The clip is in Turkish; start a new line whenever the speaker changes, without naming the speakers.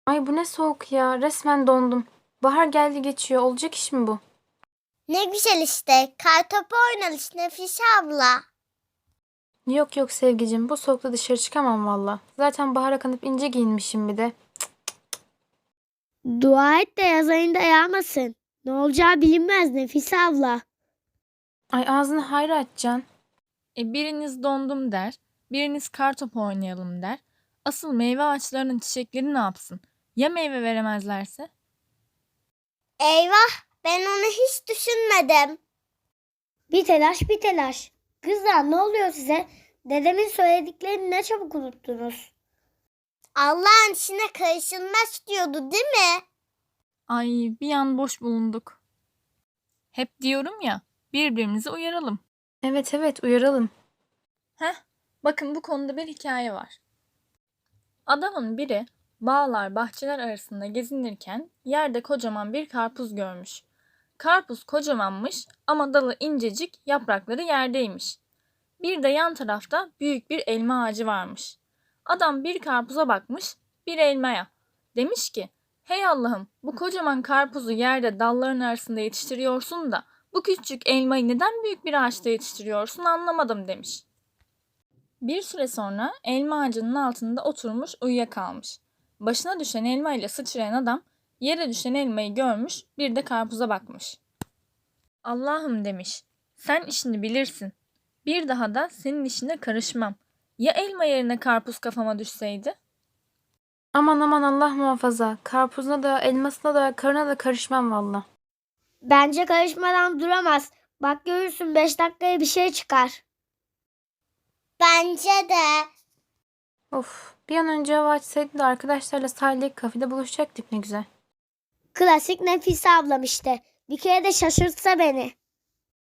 Ay bu ne soğuk ya. Resmen dondum. Bahar geldi geçiyor. Olacak iş mi bu?
Ne güzel işte. Kartopu oynarız Nefise abla.
Yok yok Sevgicim. Bu soğukta dışarı çıkamam valla. Zaten bahara kanıp ince giyinmişim bir de.
Dua et de yaz ayında yağmasın. Ne olacağı bilinmez Nefise abla.
Ay ağzını hayra açacaksın.
Biriniz dondum der, biriniz kartopu oynayalım der. Asıl meyve ağaçlarının çiçekleri ne yapsın? Ya meyve veremezlerse?
Eyvah, ben onu hiç düşünmedim.
Bir telaş bir telaş. Kızlar ne oluyor size? Dedemin söylediklerini ne çabuk unuttunuz.
Allah'ın içine karışılmaz diyordu değil mi?
Ay bir an boş bulunduk. Hep diyorum ya, birbirimizi uyaralım.
Evet evet uyaralım.
Heh, bakın bu konuda bir hikaye var. Adamın biri bağlar bahçeler arasında gezinirken yerde kocaman bir karpuz görmüş. Karpuz kocamanmış ama dalı incecik, yaprakları yerdeymiş. Bir de yan tarafta büyük bir elma ağacı varmış. Adam bir karpuza bakmış, bir elmaya. Demiş ki, hey Allah'ım bu kocaman karpuzu yerde dalların arasında yetiştiriyorsun da bu küçük elmayı neden büyük bir ağaçta yetiştiriyorsun anlamadım demiş. Bir süre sonra elma ağacının altında oturmuş uyuyakalmış. Başına düşen elma ile sıçrayan adam yere düşen elmayı görmüş, bir de karpuza bakmış. Allah'ım demiş, sen işini bilirsin. Bir daha da senin işine karışmam. Ya elma yerine karpuz kafama düşseydi?
Aman aman Allah muhafaza. Karpuzuna da elmasına da karına da karışmam valla.
Bence karışmadan duramaz. Bak görürsün 5 dakikaya bir şey çıkar.
Bence de.
Of bir an önce hava açsaydı da arkadaşlarla sahildeki kafede buluşacaktık ne güzel.
Klasik Nefise ablam işte. Bir kere de şaşırtsa beni.